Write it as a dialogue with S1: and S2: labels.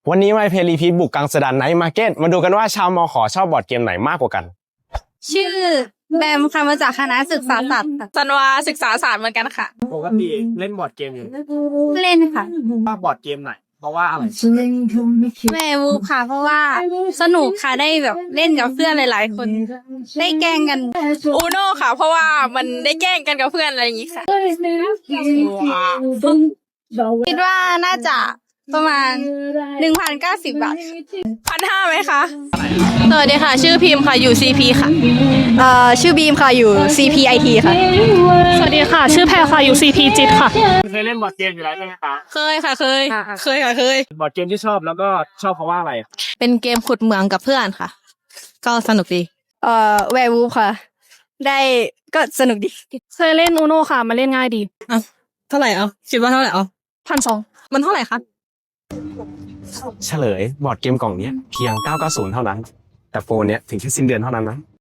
S1: วันนี้My Play Repeat บุกกังสดานไนท์มาร์เก็ตมาดูกันว่าชาวมขชอบบอร์ดเกมไหนมากกว่ากัน
S2: ชื่อแบมค่ะมาจากคณะศึกษาศาสตร์
S3: จันวาศึกษาศาสตร์เหมือนกันค่ะ
S4: ปกติเล่นบอร์ดเกมอยู่
S2: เล่นค่ะ
S4: ว่าบอร์ดเกมไหนเพราะว่าอะไร
S2: แม่วูฟค่ะ เพราะว่าสนุกค่ะได้แบบเล่นกับเพื่อนหลายๆคนได้แกล้งกัน
S3: อูโน่ค่ะ เพราะว่ามันได้แกล้งกันกับเพื่อนอะไรอย่างนี้ค่ะ
S2: คิดว่าน่าจะประมาณ 1,090 บาท
S3: 1,500ไหมคะ
S5: สวัสดีค่ะชื่อพิมพ์ค่ะอยู่ CP ค่ะชื่อบีมค่ะอยู่ CPIT ค่ะ
S6: สวัสดีค่ะชื่อแพรค่ะอยู่ CP จิตค่ะ
S4: เคยเล่นบอร์ดเกมอยู่แล้วใช่ไหมคะ
S3: เคยค่ะเคยค่ะเคย
S4: บอร์ดเกมที่ชอบแล้วก็ชอบเพราะว่าอะไร
S5: เป็นเกมขุดเหมืองกับเพื่อนค่ะก็สนุกดี
S2: แวร์วูฟค่ะ ได้ก็สนุกดี
S6: เคยเล่นอูโนค่ะมาเล่นง่ายดี
S5: เท่าไหร่เอาคิดว่าเท่าไหร่เอา
S6: 1,200
S5: มันเท่าไหร่คะ
S1: เฉลยบอร์ดเกมกล่องนี้เพียง990เท่านั้นแต่โฟนเนี้ยถึงแค่สิ้นเดือนเท่านั้นนะ